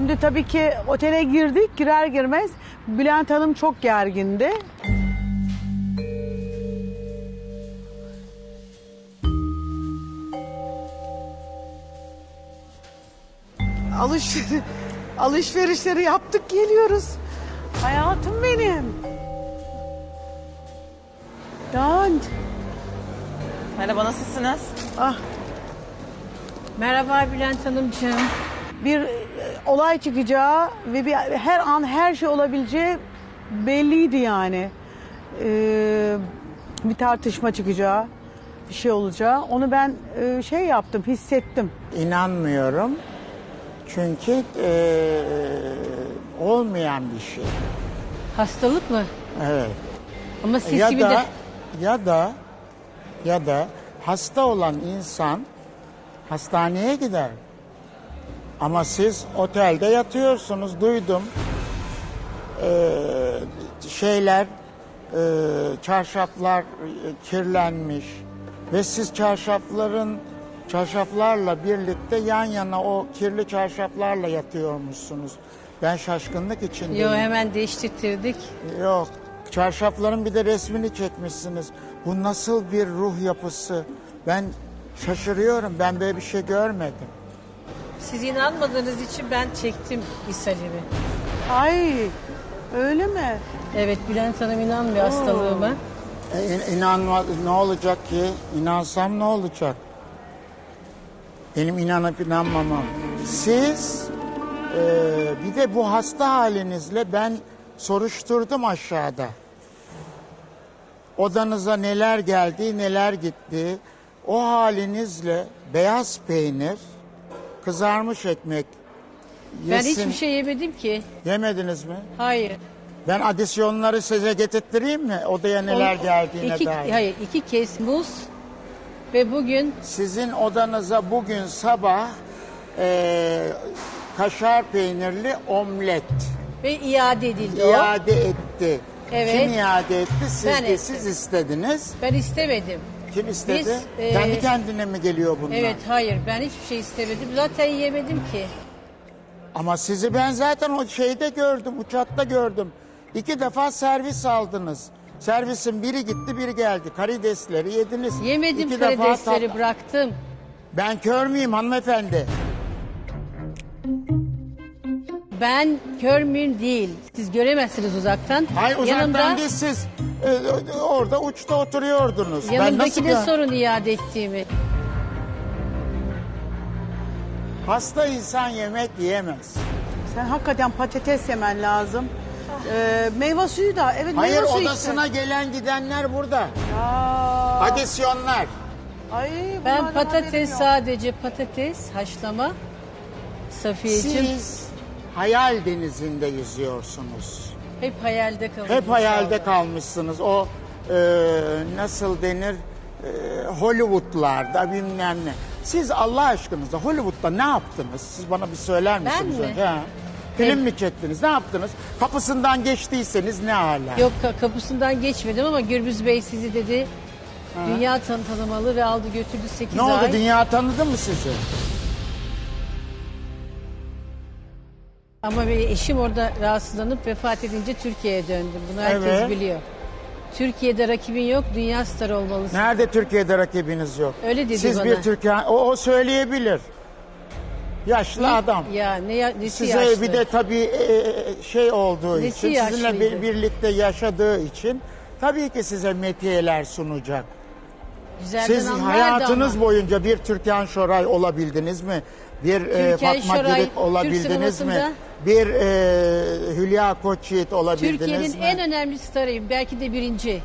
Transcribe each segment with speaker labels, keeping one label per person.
Speaker 1: Şimdi tabii ki otele girdik. Girer girmez Bülent Hanım çok gergindi. Alışverişleri yaptık geliyoruz. Hayatım benim. Dan.
Speaker 2: Merhaba, nasılsınız?
Speaker 1: Ah,
Speaker 3: Merhaba Bülent Hanımcığım.
Speaker 1: bir olay çıkacağı ve her an her şey olabileceği belliydi yani. Bir tartışma çıkacağı, bir şey olacağı. Onu ben şey yaptım, hissettim.
Speaker 4: İnanmıyorum. Çünkü olmayan bir şey.
Speaker 3: Hastalık mı?
Speaker 4: Evet.
Speaker 3: Ama siz
Speaker 4: Ya
Speaker 3: gibi
Speaker 4: da,
Speaker 3: de...
Speaker 4: ya da hasta olan insan hastaneye gider. Ama siz otelde yatıyorsunuz, duydum. Çarşaflar kirlenmiş ve siz çarşaflarla birlikte yan yana o kirli çarşaflarla yatıyormuşsunuz. Ben şaşkınlık içindeyim.
Speaker 3: Yo, hemen değiştirdik.
Speaker 4: Yok, çarşafların bir de resmini çekmişsiniz. Bu nasıl bir ruh yapısı? Ben şaşırıyorum, ben böyle bir şey görmedim.
Speaker 3: Siz inanmadığınız için ben çektim ishalimi.
Speaker 1: Ay, öyle mi?
Speaker 3: Evet, Bülent Hanım inanmıyor hastalığıma.
Speaker 4: İnanma, ne olacak ki? İnansam ne olacak? Benim inanıp inanmamam. Siz bir de bu hasta halinizle ben soruşturdum aşağıda. Odanıza neler geldi, neler gitti. O halinizle beyaz peynir, kızarmış ekmek
Speaker 3: Ben
Speaker 4: yesin.
Speaker 3: hiçbir şey yemedim ki.
Speaker 4: Yemediniz mi?
Speaker 3: Hayır.
Speaker 4: Ben adisyonları size getirttireyim mi? Odaya neler geldiğine dair.
Speaker 3: Hayır, 2 kez muz ve bugün
Speaker 4: Sizin odanıza bugün sabah kaşar peynirli omlet
Speaker 3: ve iade edildi
Speaker 4: iade etti.
Speaker 3: Evet.
Speaker 4: Kim iade etti? Siz
Speaker 3: Ben
Speaker 4: de
Speaker 3: ettim.
Speaker 4: siz istediniz.
Speaker 3: Ben istemedim.
Speaker 4: Kim istedi?
Speaker 3: Biz,
Speaker 4: Kendi kendine mi geliyor bunlar?
Speaker 3: Evet, hayır, ben hiçbir şey istemedim. Zaten yemedim ki.
Speaker 4: Ama sizi ben zaten o şeyde gördüm, uçakta gördüm. 2 defa servis aldınız. Servisin biri gitti, biri geldi. Karidesleri yediniz.
Speaker 3: Yemedim
Speaker 4: 2 defa
Speaker 3: karidesleri, bıraktım.
Speaker 4: Ben kör müyüm hanımefendi?
Speaker 3: Ben kör müyüm değil. Siz göremezsiniz uzaktan.
Speaker 4: Hayır uzaktan değil, siz orada uçta oturuyordunuz.
Speaker 3: Yanımdakine
Speaker 4: ben
Speaker 3: sorun iade ettiğimi.
Speaker 4: Hasta insan yemek yiyemez.
Speaker 1: Sen hakikaten patates yemen lazım. Meyve suyu da, evet
Speaker 4: Hayır,
Speaker 1: meyve suyu
Speaker 4: odasına
Speaker 1: işte.
Speaker 4: gelen gidenler burada.
Speaker 1: Aa,
Speaker 4: Adisyonlar.
Speaker 1: ay,
Speaker 3: Ben
Speaker 1: bunlardan haberim
Speaker 3: patates,
Speaker 1: yok.
Speaker 3: sadece patates haşlama. Safiyeciğim,
Speaker 4: Siz hayal denizinde yüzüyorsunuz.
Speaker 3: hep hayalde kalın.
Speaker 4: Hep hayalde
Speaker 3: inşallah.
Speaker 4: kalmışsınız. O nasıl denir? Hollywood'larda bilmem ne. Siz Allah aşkınıza Hollywood'da ne yaptınız? Siz bana bir söyler misiniz?
Speaker 3: mi?
Speaker 4: önce? Ha? Film mi çektiniz? Ne yaptınız? Kapısından geçtiyseniz ne hala?
Speaker 3: Yok, kapısından geçmedim ama Gürbüz Bey sizi dedi. Dünya tanımalı ve aldı götürdü 8
Speaker 4: Ne
Speaker 3: ay.
Speaker 4: oldu? Dünya tanıdı mı sizi?
Speaker 3: Ama benim eşim orada rahatsızlanıp vefat edince Türkiye'ye döndüm. Bunu herkes
Speaker 4: Evet.
Speaker 3: biliyor. Türkiye'de rakibin yok, dünya starı olmalısın.
Speaker 4: Nerede Türkiye'de rakibiniz yok?
Speaker 3: Öyle dedi
Speaker 4: Siz
Speaker 3: bana.
Speaker 4: bir Türkiye... O söyleyebilir. Yaşlı adam.
Speaker 3: Ya nesi
Speaker 4: Size
Speaker 3: yaşlı?
Speaker 4: bir de tabii şey olduğu
Speaker 3: Nesi
Speaker 4: için, sizinle
Speaker 3: yaşlıydı?
Speaker 4: birlikte yaşadığı için tabii ki size metiyeler sunacak.
Speaker 3: Güzelden
Speaker 4: Siz
Speaker 3: anlardı
Speaker 4: hayatınız
Speaker 3: ama.
Speaker 4: boyunca bir Türkan Şoray olabildiniz mi? Bir
Speaker 3: Türkan
Speaker 4: Fatma
Speaker 3: Şoray,
Speaker 4: Girik olabildiniz
Speaker 3: Türk
Speaker 4: mi?
Speaker 3: sinemasında-
Speaker 4: Bir Hülya Koçyiğit olabildiniz
Speaker 3: Türkiye'nin
Speaker 4: mi?
Speaker 3: en önemli starıyım. Belki de birinci.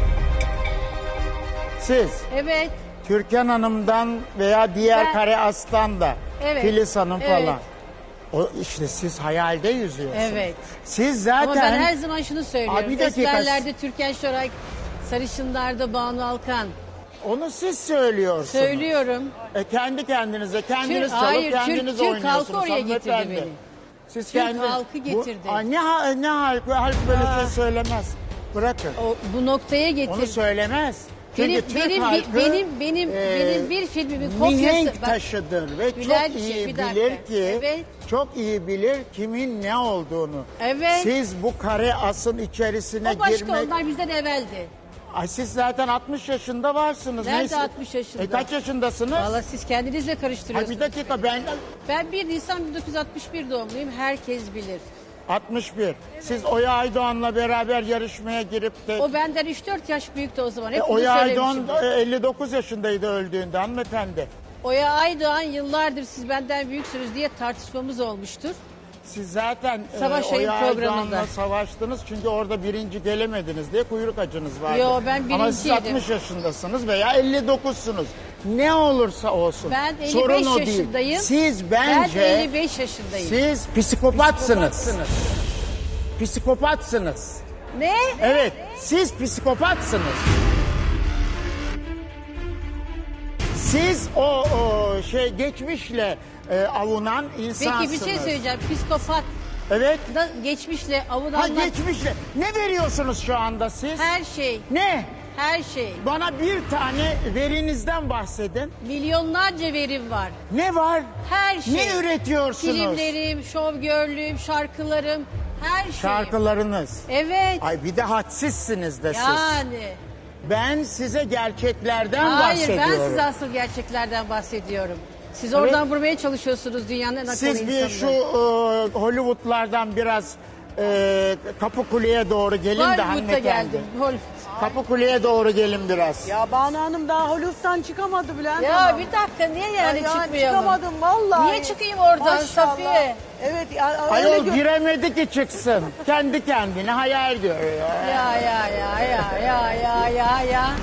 Speaker 4: Siz
Speaker 3: Evet.
Speaker 4: Türkan Hanım'dan veya diğer
Speaker 3: Ben-
Speaker 4: Kare Aslan da
Speaker 3: Evet,
Speaker 4: Filiz Hanım
Speaker 3: evet.
Speaker 4: falan. O işte siz hayalde yüzüyorsunuz.
Speaker 3: Evet.
Speaker 4: Siz
Speaker 3: Ama
Speaker 4: zaten
Speaker 3: ben her zaman şunu söylüyorum.
Speaker 4: bir dakika.
Speaker 3: Esmerlerde Türkan Şoray, sarışınlarda Banu Alkan.
Speaker 4: onu siz söylüyorsunuz.
Speaker 3: Söylüyorum.
Speaker 4: Kendi kendinize, kendiniz çalıp
Speaker 3: Hayır,
Speaker 4: kendiniz
Speaker 3: Türk
Speaker 4: oynuyorsunuz.
Speaker 3: halkı oraya getirdi
Speaker 4: hanımefendi.
Speaker 3: beni.
Speaker 4: Siz
Speaker 3: Türk halkı getirdi.
Speaker 4: Ne halk böyle şey söylemez. Bırakın.
Speaker 3: Bu noktaya getirdi.
Speaker 4: Onu söylemez.
Speaker 3: Benim,
Speaker 4: Türk
Speaker 3: benim,
Speaker 4: halkı,
Speaker 3: benim bir filmimin
Speaker 4: mihenk
Speaker 3: kopyası. Bak,
Speaker 4: taşıdır ve çok
Speaker 3: Bülent'ciğim,
Speaker 4: iyi
Speaker 3: bir dakika.
Speaker 4: bilir ki,
Speaker 3: Evet.
Speaker 4: çok iyi bilir kimin ne olduğunu.
Speaker 3: Evet.
Speaker 4: Siz bu kare asın içerisine
Speaker 3: o başka,
Speaker 4: girmek...
Speaker 3: onlar bizden evveldi.
Speaker 4: Ay siz zaten 60 yaşında varsınız.
Speaker 3: Nerede
Speaker 4: Neyse.
Speaker 3: 60 yaşında?
Speaker 4: Kaç yaşındasınız?
Speaker 3: Valla siz kendinizle
Speaker 4: Ay
Speaker 3: karıştırıyorsunuz.
Speaker 4: bir dakika
Speaker 3: Ben 1 Nisan 1961 doğumluyum. Herkes bilir.
Speaker 4: 61. Siz Oya Aydoğan'la beraber yarışmaya girip de...
Speaker 3: O benden 3-4 yaş büyüktü o zaman. Hep bunu
Speaker 4: Oya Aydoğan
Speaker 3: söylemişimdir.
Speaker 4: 59 yaşındaydı öldüğünde hanımefendi.
Speaker 3: Oya Aydoğan yıllardır siz benden büyüksünüz diye tartışmamız olmuştur.
Speaker 4: Siz zaten
Speaker 3: Savaş Ayın
Speaker 4: Oya
Speaker 3: programında.
Speaker 4: Aydoğan'la savaştınız çünkü orada birinci gelemediniz diye kuyruk acınız vardı.
Speaker 3: Yo, ben
Speaker 4: Ama siz
Speaker 3: birinciydim.
Speaker 4: 60 yaşındasınız veya 59'sunuz. Ne olursa olsun.
Speaker 3: Ben 55
Speaker 4: Sorun o
Speaker 3: yaşındayım.
Speaker 4: değil. Siz
Speaker 3: Ben
Speaker 4: bence...
Speaker 3: 55 yaşındayım.
Speaker 4: Siz psikopatsınız. Psikopatsınız.
Speaker 3: Ne?
Speaker 4: Evet, siz psikopatsınız. Siz o geçmişle avunan insansınız.
Speaker 3: Peki bir şey söyleyeceğim. Psikopat
Speaker 4: Evet.
Speaker 3: da geçmişle
Speaker 4: Ha
Speaker 3: avunanlar
Speaker 4: geçmişle. Ne veriyorsunuz şu anda siz?
Speaker 3: her şey,
Speaker 4: Ne?
Speaker 3: her şey.
Speaker 4: Bana bir tane verinizden bahsedin.
Speaker 3: Milyonlarca verim var.
Speaker 4: Ne var?
Speaker 3: Her şey.
Speaker 4: Ne üretiyorsunuz?
Speaker 3: Filmlerim, şovgörlüğüm, şarkılarım, her şey.
Speaker 4: Şarkılarınız.
Speaker 3: Evet.
Speaker 4: Ay bir de hadsizsiniz de siz.
Speaker 3: Yani.
Speaker 4: Ben size gerçeklerden
Speaker 3: Hayır, ben
Speaker 4: bahsediyorum.
Speaker 3: size asıl gerçeklerden bahsediyorum. Siz oradan vurmaya çalışıyorsunuz dünyanın en akıllı
Speaker 4: Siz bir şu
Speaker 3: insanını.
Speaker 4: Hollywood'lardan biraz Kapıkule'ye doğru gelin de
Speaker 3: Hollywood'a
Speaker 4: hanımefendi.
Speaker 3: geldim.
Speaker 4: Kapıkule'ye doğru gelin biraz.
Speaker 1: Ya Banu Hanım daha Hollywood'dan çıkamadı Bülent
Speaker 3: Ya
Speaker 1: Hanım.
Speaker 3: bir dakika niye yani
Speaker 1: Ya
Speaker 3: çıkmayalım?
Speaker 1: çıkamadım vallahi.
Speaker 3: Niye çıkayım oradan
Speaker 1: Maşallah.
Speaker 3: Safiye?
Speaker 1: Evet. Ya, öyle
Speaker 4: Ayol giremedi ki çıksın. Kendi kendine hayal ediyor ya.
Speaker 3: Ya.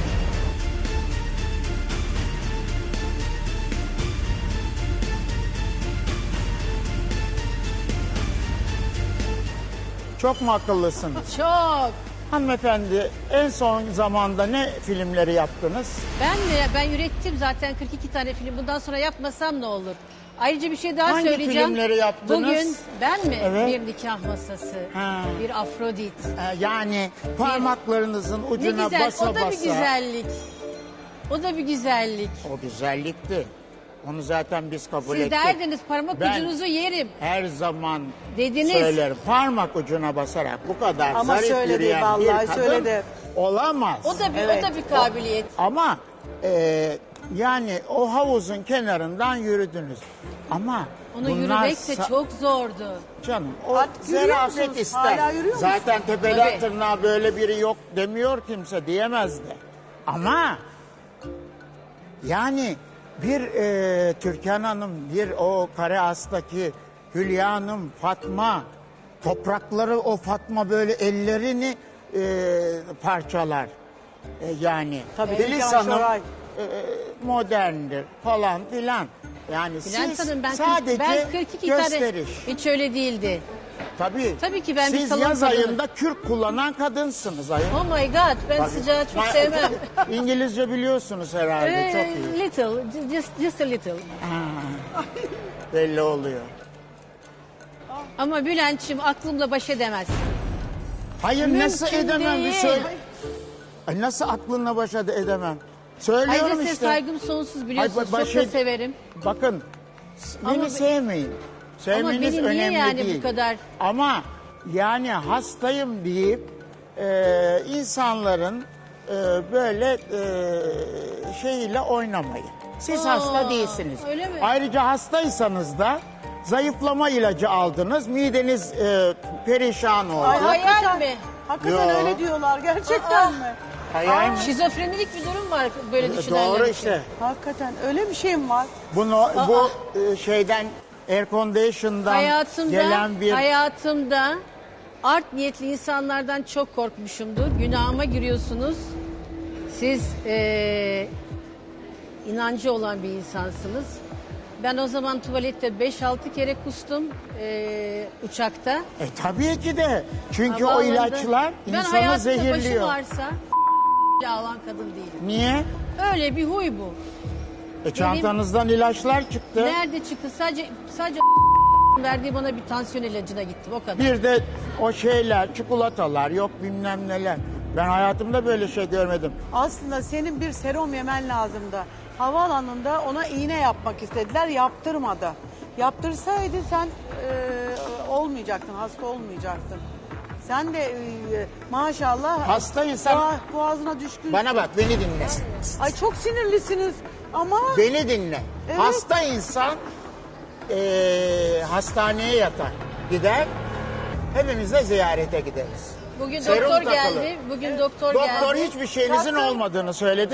Speaker 4: Çok mu akıllısınız?
Speaker 3: Çok.
Speaker 4: Hanımefendi en son zamanda ne filmleri yaptınız?
Speaker 3: Ben ürettim zaten 42 tane film. Bundan sonra yapmasam ne olur? Ayrıca bir şey daha
Speaker 4: Hangi
Speaker 3: söyleyeceğim.
Speaker 4: filmleri yaptınız?
Speaker 3: Bugün ben mi?
Speaker 4: Evet.
Speaker 3: Bir nikah masası,
Speaker 4: Ha.
Speaker 3: bir Afrodit.
Speaker 4: Yani parmaklarınızın
Speaker 3: Ne
Speaker 4: ucuna
Speaker 3: güzel,
Speaker 4: basa
Speaker 3: o da
Speaker 4: basa.
Speaker 3: bir güzellik. O da bir güzellik.
Speaker 4: O güzellikti. Onu zaten biz kabul
Speaker 3: Siz
Speaker 4: ettik.
Speaker 3: derdiniz parmak
Speaker 4: Ben-
Speaker 3: ucunuzu yerim.
Speaker 4: Her zaman
Speaker 3: Dediniz.
Speaker 4: söylerim. Parmak ucuna basarak bu kadar
Speaker 1: Ama
Speaker 4: zarif
Speaker 1: söyledi,
Speaker 4: yürüyen
Speaker 1: vallahi
Speaker 4: bir kadın
Speaker 1: söyledi.
Speaker 4: olamaz.
Speaker 3: O da bir
Speaker 1: Evet.
Speaker 3: o da bir kabiliyet.
Speaker 4: Ama yani o havuzun kenarından yürüdünüz. Ama
Speaker 3: Onu
Speaker 4: bunlar
Speaker 3: yürümek de çok zordu.
Speaker 4: Canım o
Speaker 1: Artık yürüyor
Speaker 4: zarafet
Speaker 1: musunuz?
Speaker 4: ister.
Speaker 1: Hala yürüyor musunuz?
Speaker 4: Zaten tepeden
Speaker 3: Tabii.
Speaker 4: tırnağa böyle biri yok demiyor kimse diyemez de. Ama yani bir Türkan Hanım, bir o Kare As'taki Hülya Hanım, Fatma, toprakları o Fatma böyle ellerini parçalar. Yani
Speaker 1: Tabii,
Speaker 4: Filiz
Speaker 1: Türkan
Speaker 4: Hanım
Speaker 1: Şoray.
Speaker 4: moderndir falan filan. Yani
Speaker 3: Bülent
Speaker 4: siz
Speaker 3: Hanım
Speaker 4: sadece
Speaker 3: ben 42
Speaker 4: gösteriş.
Speaker 3: tane hiç öyle değildi.
Speaker 4: Tabii
Speaker 3: ki ben bir
Speaker 4: siz
Speaker 3: salon
Speaker 4: yaz
Speaker 3: kadını.
Speaker 4: ayında kürk kullanan kadınsınız ayol.
Speaker 3: Oh my god ben
Speaker 4: Tabii.
Speaker 3: sıcağı çok sevmem.
Speaker 4: İngilizce biliyorsunuz herhalde çok iyi.
Speaker 3: Little, just a little.
Speaker 4: Belli oluyor.
Speaker 3: Ama Bülent'ciğim aklımla baş edemez.
Speaker 4: Hayır
Speaker 3: Mümkün
Speaker 4: nasıl edemem bir
Speaker 3: değil.
Speaker 4: söyle. Ay, nasıl aklınla baş edemem. Söylüyorum
Speaker 3: Ayrıca size
Speaker 4: işte.
Speaker 3: saygım sonsuz biliyorsunuz.
Speaker 4: baş
Speaker 3: çok da
Speaker 4: ed-
Speaker 3: severim.
Speaker 4: Bakın beni
Speaker 3: Ama-
Speaker 4: sevmeyin. Sevmeniz
Speaker 3: beni niye
Speaker 4: önemli
Speaker 3: yani bu
Speaker 4: değil.
Speaker 3: kadar-
Speaker 4: Ama yani hastayım deyip insanların böyle şeyiyle oynamayın. Siz hasta değilsiniz.
Speaker 3: öyle mi?
Speaker 4: Ayrıca hastaysanız da zayıflama ilacı aldınız. Mideniz perişan oldu.
Speaker 1: Ay,
Speaker 3: Hayal
Speaker 1: hakikaten,
Speaker 3: mi?
Speaker 1: hakikaten
Speaker 4: Yo.
Speaker 1: öyle diyorlar gerçekten mi?
Speaker 4: Hayal mi?
Speaker 3: Şizofrenilik bir durum var böyle düşünenler
Speaker 4: Doğru
Speaker 3: için.
Speaker 4: işte.
Speaker 1: Hakikaten öyle bir şey mi var?
Speaker 4: Bu şeyden air condition'dan gelen bir
Speaker 3: Hayatımda art niyetli insanlardan çok korkmuşumdur. Günahıma giriyorsunuz. Siz inancı olan bir insansınız. Ben o zaman tuvalette 5-6 kere kustum uçakta.
Speaker 4: tabii ki de. Çünkü o
Speaker 3: Havaalanında.
Speaker 4: ilaçlar
Speaker 3: Ben
Speaker 4: insanı
Speaker 3: hayatımda başı
Speaker 4: zehirliyor.
Speaker 3: varsa alan kadın değilim.
Speaker 4: Niye?
Speaker 3: Öyle bir huy bu.
Speaker 4: Çantanızdan ilaçlar çıktı.
Speaker 3: Nerede çıktı? Sadece verdiği bana bir tansiyon ilacına gittim o kadar.
Speaker 4: Bir de o şeyler, çikolatalar, yok bilmem neler. Ben hayatımda böyle şey görmedim.
Speaker 1: Aslında senin bir serum yemen lazımdı. Havaalanında ona iğne yapmak istediler, yaptırmadı. Yaptırsaydı sen olmayacaktın, hasta olmayacaktın. Sen de maşallah
Speaker 4: Hasta insan-
Speaker 1: boğazına düşkün.
Speaker 4: Bana bak, beni dinle.
Speaker 1: Ay çok sinirlisiniz ama
Speaker 4: Beni dinle.
Speaker 1: Evet.
Speaker 4: Hasta insan hastaneye yatar, gider. Hepimiz de ziyarete gideriz.
Speaker 3: Bugün
Speaker 4: Serum
Speaker 3: doktor
Speaker 4: takılı.
Speaker 3: geldi. Bugün doktor
Speaker 4: Doktor
Speaker 3: geldi.
Speaker 4: hiçbir şeyinizin
Speaker 1: Zaten-
Speaker 4: olmadığını söyledi.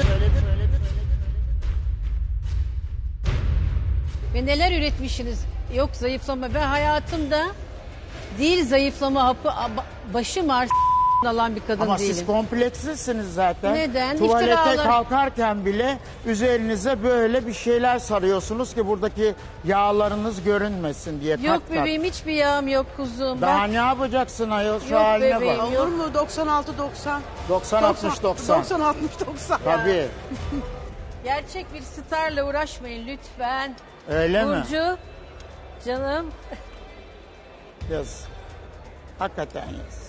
Speaker 3: Ve neler üretmişsiniz? Yok zayıflama. Ben hayatımda değil zayıflama hapı başım ağrı alan bir kadın
Speaker 4: Ama
Speaker 3: değilim.
Speaker 4: siz komplekslisiniz zaten.
Speaker 3: Neden?
Speaker 4: Tuvalete
Speaker 3: İftiralar.
Speaker 4: kalkarken bile üzerinize böyle bir şeyler sarıyorsunuz ki buradaki yağlarınız görünmesin diye.
Speaker 3: Yok
Speaker 4: kat kat.
Speaker 3: bebeğim hiçbir yağım yok kuzum.
Speaker 4: Daha
Speaker 3: Bak,
Speaker 4: ne yapacaksın ayol? Şu
Speaker 3: Yok
Speaker 4: haline
Speaker 3: bebeğim.
Speaker 4: bak.
Speaker 1: olur mu 96-90?
Speaker 4: 90-60-90.
Speaker 1: 90-60-90.
Speaker 4: Tabii.
Speaker 3: gerçek bir starla uğraşmayın lütfen.
Speaker 4: Öyle mi?
Speaker 3: Burcu, canım.
Speaker 4: Yaz. Hakikaten yaz.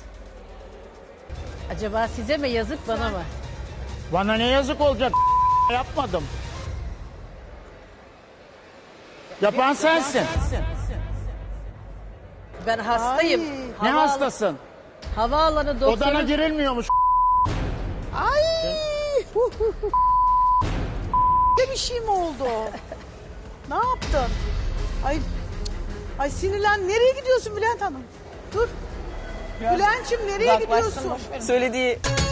Speaker 3: Acaba size mi yazık bana mı?
Speaker 4: Bana ne yazık olacak? Yapmadım. Yapan sensin.
Speaker 3: Ben hastayım.
Speaker 1: Ay.
Speaker 4: Ne hastasın?
Speaker 3: Havaalanı doktoru.
Speaker 4: Odana girilmiyormuş.
Speaker 1: Ay! Ne bir şey mi oldu? Ne yaptın? Ay sinirlen. Nereye gidiyorsun Bülent Hanım? Dur. Bülent'ciğim nereye
Speaker 2: Uzaklaşsın,
Speaker 1: gidiyorsun?
Speaker 2: boş verin. Söylediği